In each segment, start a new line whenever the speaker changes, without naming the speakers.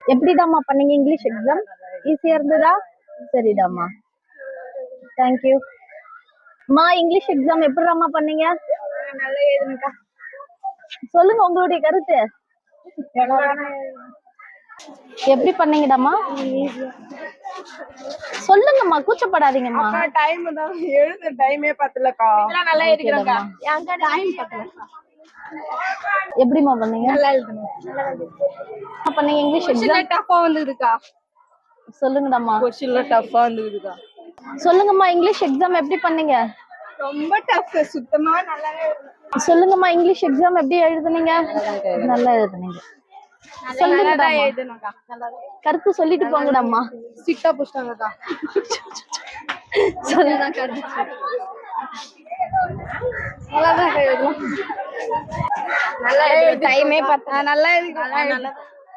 எப்படிடாமா பண்ணீங்க English exam? ஈஸியா இருந்ததா? சரிடாமா. தேங்க்யூ. அம்மா இங்கிலீஷ் எக்ஸாம் எப்படிடாமா பண்ணீங்க?
நல்லா எழுதுனக்கா.
சொல்லுங்க உங்களுடைய கருத்து. எப்படி பண்ணீங்கடாமா? சொல்லுங்கம்மா, கூச்சப்படாதீங்கம்மா.
டைம் தான் எழுத டைமே பத்தலக்கா. நல்லா எழுதிக்கிறேன்க்கா. ஏன்க்கா டைம் பத்தலக்கா.
எப்படிமா பண்ணீங்க?
நல்லா எழுதுனேன்.
பண்ணீங்க இங்கிலீஷ் எக்ஸாம்?
டஃபா வந்துதுக்கா.
சொல்லுங்கடாமா.
கொஸ்டின்ல டஃபா வந்துதுக்கா.
சொல்லுங்கம்மா இங்கிலீஷ் எக்ஸாம் எப்படி பண்ணீங்க?
ரொம்ப டஃப். சுத்தமா நல்லாவே எழுதல.
சொல்லுங்கம்மா இங்கிலீஷ் எக்ஸாம் எப்படி எழுதுனீங்க? நல்லா எழுதுனீங்க.
நல்லா எழுதுனக்கா.
கருத்து சொல்லிட்டு போங்கடாமா.
ஸ்ட்ரிக்ட்டா புடிச்சாங்கக்கா.
சொல்லுங்க.
நல்லாதான் எழுதணும். நல்லா எழுது. டைமே பத்த. நல்லா எழுதிருக்கேன்.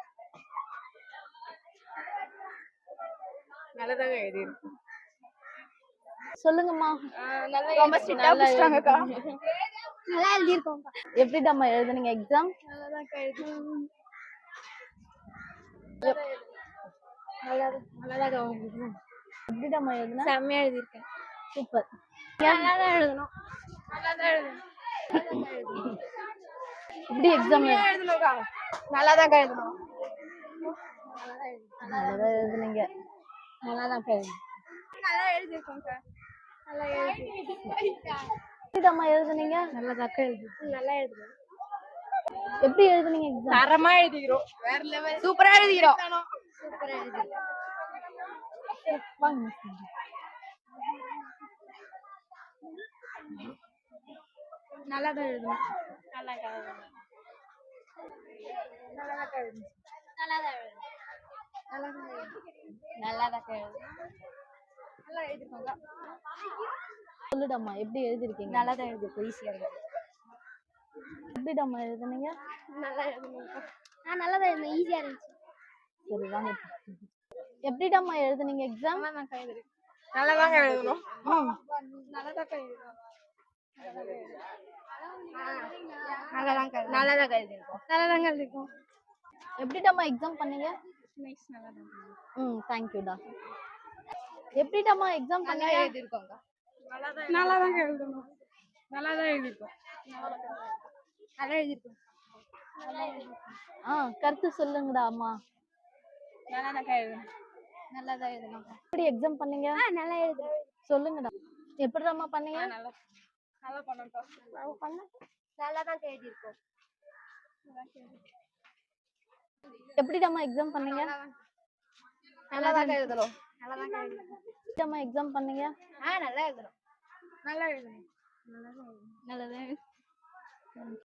நல்லதாக எழுதிருக்கேன்.
சொல்லுங்கம்மா.
ரொம்ப ஸ்ட்ரிக்ட்டா புடிச்சாங்கக்கா. நல்லா எழுதிருக்கோம்.
எப்படிடாமா எழுதுனீங்க எக்ஸாம்?
நல்லாதான் எழுதிருக்கோம். நல்லாதான் எழுதிருக்கோம்.
எப்படிடாமா எழுதுன?
செம்மையா எழுதிருக்கேன்.
சூப்பர்.
நல்லாதான் எழுதணும். நல்லாதான் எழுதணும்.
எப்படி எக்ஸாம்
எழுதணும்க்கா. நல்லாதான் எழுதணும்.
நல்லதா எழுதுனீங்க.
நல்லாதான் எழுதணும். நல்லா எழுதிருக்கோம்க்கா. நல்லா எழுதிருக்கோம்.
எப்படிடாமா எழுதுனீங்க?
நல்லதாக்கா எழுதி. நல்லா எழுதணும்.
எப்படி எழுதுனீங்க எக்ஸாம்?
தரமா எழுதிக்கிறோம். வேற லெவல். சூப்பரா எழுதிக்கிறோம். சூப்பரா எழுதிக்கிறோம். நல்லாதான் எழுதணும். நல்லாதான் எழுதணும். நல்லாதான் எழுதணும். நல்லாதான் எழுதணும். நல்லாதான் எழுதணும். நல்லா எழுதிருக்கோங்க.
சொல்லுடாமா எப்படி எழுதிருக்கீங்க?
நல்லாதான் எழுதிருக்கோம். ஈஸியா இருக்கு.
எப்படிடாமா எழுதுனீங்க?
நல்லா எழுதணும். நல்லாதான் எழுதணும். ஈஸியா இருந்துச்சு.
சரி வாங்க. எப்படிடாமா எழுதுனீங்க எக்ஸாம்?
நல்லாதான் எழுதிருக்கோம். நல்லாதான் எழுதணும். நல்லாதான் எழுதணும். நல்லாதான் எழுதிருக்கோம். நல்லாதான் எழுதிருக்கோம்.
எப்படிடாமா எக்ஸாம் பண்ணீங்க?
நைஸ். நல்லாதான்.
தேங்க்யூடா. எப்படிடாமா எக்ஸாம் பண்ணீங்க?
எழுதிருக்கோங்க. நல்லாதான் எழுதணும். நல்லாதான் எழுதிருக்கோம். நல்லா எழுதிருக்கோம்.
கருத்து சொல்லுங்கடா அம்மா.
நல்லாதான் எழுதணும். நல்லாதான் எழுதணும்.
எப்படி எக்ஸாம் பண்ணீங்க?
நல்லா எழுதணும்.
சொல்லுங்கடா. எப்படிடாமா பண்ணீங்க?
நல்லா பண்ணோம். நல்லாதான் எழுதிருக்கோம்.
எப்படிடாமா எக்ஸாம் பண்ணீங்க?
நல்லாதான் எழுதணும். நல்லாதான் எழுதணும்.
எப்படிடாமா எக்ஸாம் பண்ணீங்க?
நல்லா எழுதணும். நல்லா எழுதணும். நல்லாதான் எழுதணும். நல்லாதான் எழுதணும்.